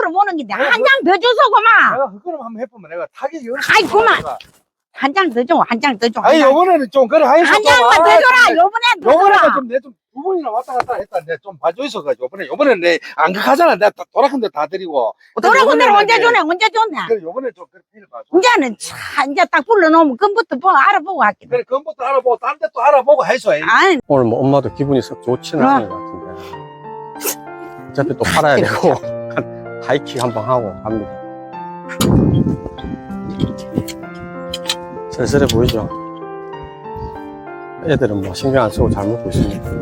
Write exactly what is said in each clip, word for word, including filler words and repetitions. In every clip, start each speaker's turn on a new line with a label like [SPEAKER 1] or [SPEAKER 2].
[SPEAKER 1] 보는 긴데 한 장 더 줘서 그만.
[SPEAKER 2] 내가 그거를 한번 해보면 내가 타격이
[SPEAKER 1] 아이 그만. 한 장 더 줘. 한 장 더 줘.
[SPEAKER 2] 아니 요번에는 좀 그래 하이소
[SPEAKER 1] 한 장만 더 줘라. 요번에 더
[SPEAKER 2] 요번에는
[SPEAKER 1] 줘라.
[SPEAKER 2] 좀 내 좀 두 번이나 왔다 갔다 했다. 내가 좀 봐줘 있어가지고 요번에 요번에는 내 안 극하잖아. 내가 돌아큰 데 다 드리고.
[SPEAKER 1] 돌아온 데는 언제 주네? 언제 줬네?
[SPEAKER 2] 그래 요번에 좀 그래 해봐.
[SPEAKER 1] 이제는 차 이제 딱 불러놓으면 그부터 뭐 알아보고 할게.
[SPEAKER 2] 그래 그것부터 알아보고 딴 데 또 알아보고 해서.
[SPEAKER 1] 아니
[SPEAKER 3] 오늘 뭐 엄마도 기분이 썩 좋지는
[SPEAKER 1] 그럼.
[SPEAKER 3] 않은 것 같은데 어차피 또 팔아야 되고 하이킥 한번 하고 갑니다. 쓸쓸해 보이죠? 애들은 뭐 신경 안 쓰고 잘 먹고 있습니다.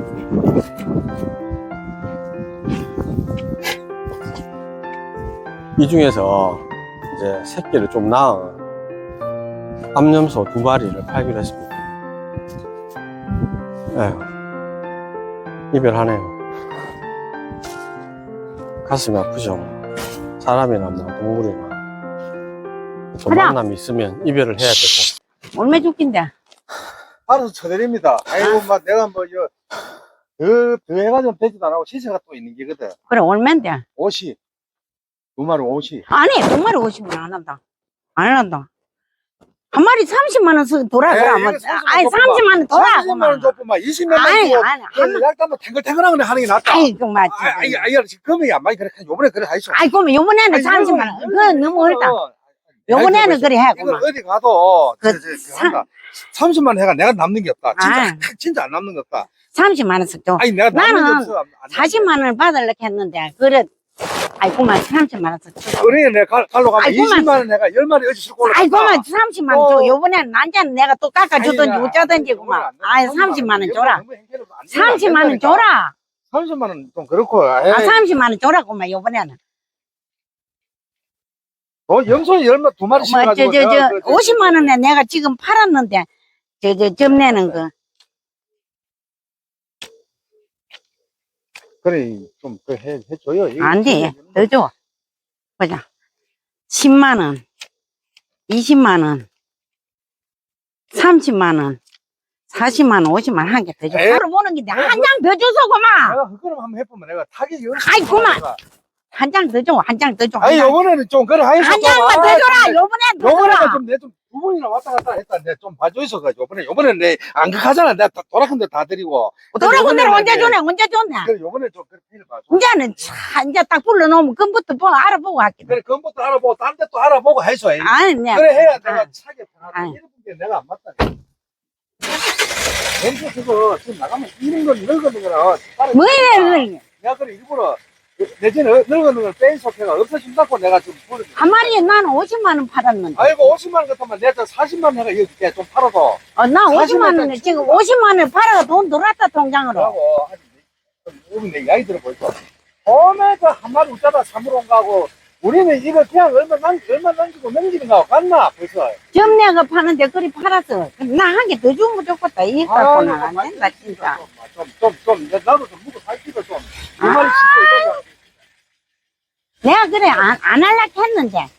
[SPEAKER 3] 이 중에서 이제 새끼를 좀 낳은 암염소 두 마리를 팔기로 했습니다. 에휴, 이별하네요. 가슴이 아프죠. 사람이나 뭐 동물이나 또
[SPEAKER 1] 하나.
[SPEAKER 3] 만남이 있으면 이별을 해야 되고.
[SPEAKER 1] 얼마 죽긴데?
[SPEAKER 2] 알아서 쳐드립니다. 아이고 막 내가 뭐저 더, 더 해가지고 되지도 안 하고 시세가 또 있는 게거든.
[SPEAKER 1] 그래 얼마인데?
[SPEAKER 2] 옷이 두 마리 옷이.
[SPEAKER 1] 아니 두 마리 오십만 안 한다. 안 한다. 한 마리 삼십만 원 쓰 돌아
[SPEAKER 2] 에이,
[SPEAKER 1] 돌아.
[SPEAKER 2] 이거
[SPEAKER 1] 뭐,
[SPEAKER 2] 삼십만
[SPEAKER 1] 아니
[SPEAKER 2] 원
[SPEAKER 1] 삼십만 원 돌아.
[SPEAKER 2] 삼십만 원 줬구만. 이십만 원
[SPEAKER 1] 아니
[SPEAKER 2] 주고
[SPEAKER 1] 아니 한 마-
[SPEAKER 2] 약간 뭐 탱글탱글한 거 하는 게 낫다.
[SPEAKER 1] 아이 그 맞지.
[SPEAKER 2] 아이, 아이, 아이, 금액이 안 많이 그래. 요번에 그래 하이소.
[SPEAKER 1] 아이 그러면 요번에는 삼십만 원. 그건 너무 어렵다. 요번에는 그래 해.
[SPEAKER 2] 이거
[SPEAKER 1] 그만.
[SPEAKER 2] 어디 가도
[SPEAKER 1] 그
[SPEAKER 2] 저, 저, 저
[SPEAKER 1] 사-
[SPEAKER 2] 한다. 삼십만 원 해가 내가 남는 게 없다. 진짜
[SPEAKER 1] 아.
[SPEAKER 2] 진짜 안 남는 게 없다.
[SPEAKER 1] 삼십만 원 쓰죠.
[SPEAKER 2] 아니 내가 남는 게
[SPEAKER 1] 나는
[SPEAKER 2] 없어. 안- 안
[SPEAKER 1] 사십만 원을 받으려고 했는데 그래. 아이 그만 삼십만 원 쓰죠.
[SPEAKER 2] 그래 내가 갈- 갈로 가면
[SPEAKER 1] 아이고만.
[SPEAKER 2] 이십만 원 내가 열 마리 어디 싣고 올라갔다.
[SPEAKER 1] 아이 그만 삼십만 원 줘.
[SPEAKER 2] 어.
[SPEAKER 1] 요번에는 난자는 내가 또 깎아주든지
[SPEAKER 2] 아니,
[SPEAKER 1] 어쩌든지
[SPEAKER 2] 아니,
[SPEAKER 1] 그만.
[SPEAKER 2] 요번에
[SPEAKER 1] 아이
[SPEAKER 2] 안 돼.
[SPEAKER 1] 삼십만 원
[SPEAKER 2] 요번에
[SPEAKER 1] 줘라.
[SPEAKER 2] 너무 행패를 안 돼.
[SPEAKER 1] 삼십만 원
[SPEAKER 2] 안 된다니까.
[SPEAKER 1] 줘라.
[SPEAKER 2] 삼십만 원 좀 그렇고.
[SPEAKER 1] 아
[SPEAKER 2] 에이.
[SPEAKER 1] 삼십만 원 줘라 그만 요번에는.
[SPEAKER 2] 어, 염소 열마 두 마리
[SPEAKER 1] 뭐, 저,
[SPEAKER 2] 씌워가지고.
[SPEAKER 1] 저,
[SPEAKER 2] 내가
[SPEAKER 1] 저,
[SPEAKER 2] 그- 저-
[SPEAKER 1] 오십만 원에 내가 지금 팔았는데, 저, 저, 점내는 거.
[SPEAKER 2] 그래, 좀, 그, 해, 해줘요. 이거
[SPEAKER 1] 안 돼.
[SPEAKER 2] 진짜
[SPEAKER 1] 더 줘. 보자. 십만 원, 이십만 원, 삼십만 원, 사십만 원, 오십만 원 한 개 더 줘.
[SPEAKER 2] 에이.
[SPEAKER 1] 하루 보는 긴데, 한 장 더 줘서 그만!
[SPEAKER 2] 내가 그거를 한번 해보면 내가 타격이
[SPEAKER 1] 아이, 그만. 한 장 더 줘, 한 장 더 줘. 한
[SPEAKER 2] 아니,
[SPEAKER 1] 장.
[SPEAKER 2] 요번에는 좀, 그래, 하이소.
[SPEAKER 1] 한 장만 더 줘라! 요번에 더
[SPEAKER 2] 요번에는
[SPEAKER 1] 줘라!
[SPEAKER 2] 좀, 내 좀, 두 번이나 왔다 갔다 했다. 내가 좀 봐줘 있어가지고. 요번에, 요번에는 내, 안 극하잖아. 내가 다- 돌아큰 데 다 드리고.
[SPEAKER 1] 돌아온 데는 언제
[SPEAKER 2] 이제-
[SPEAKER 1] 주네? 언제 줬네?
[SPEAKER 2] 그래, 요번에 좀, 그래, 해봐.
[SPEAKER 1] 이제는 차, 이제 딱 불러놓으면 그부터 뭐 알아보고 할게.
[SPEAKER 2] 그래, 그것부터 알아보고, 딴 데 또 알아보고 해서.
[SPEAKER 1] 아니, 내.
[SPEAKER 2] 그래, 해야 내가
[SPEAKER 1] 아.
[SPEAKER 2] 차게 편하다.
[SPEAKER 1] 아이.
[SPEAKER 2] 이런 게 내가 안 맞다. 냄새 그거, 지금 나가면 이런 건 늙어는 거라.
[SPEAKER 1] 뭐 이래,
[SPEAKER 2] 내가 그래, 일부러, 내전에 늙어는 걸 뺀 속해가 없어진다고 내가 지금 부르
[SPEAKER 1] 한 마리에 나는 오십만 원 팔았는데.
[SPEAKER 2] 아이고, 오십만 원 같으면 내가 사십만 원 해가 이거 줄게. 좀 팔아서.
[SPEAKER 1] 어, 나 오십만 원에
[SPEAKER 2] 사십만
[SPEAKER 1] 지금
[SPEAKER 2] 원
[SPEAKER 1] 오십만 원 팔아가 돈 들어왔다 통장으로.
[SPEAKER 2] 하고, 우리 내 이야기 들어보니까. 처음에 그 한 마리 웃자다 삼으로 온 거하고, 우리는 이거 그냥 얼마 남, 얼마 남기고 넘기는 거하고 같나, 벌써.
[SPEAKER 1] 점내가 파는데 그리 팔았어. 나 한 개 더 주면 좋겠다. 이거 갖고는 안
[SPEAKER 2] 아이고,
[SPEAKER 1] 된다 진짜.
[SPEAKER 2] 좀, 좀, 좀, 나도 좀 묵고 살기도 좀. 두
[SPEAKER 1] 아.
[SPEAKER 2] 마리 싣고 있다가.
[SPEAKER 1] 내가 그래 안, 안 할라 했는데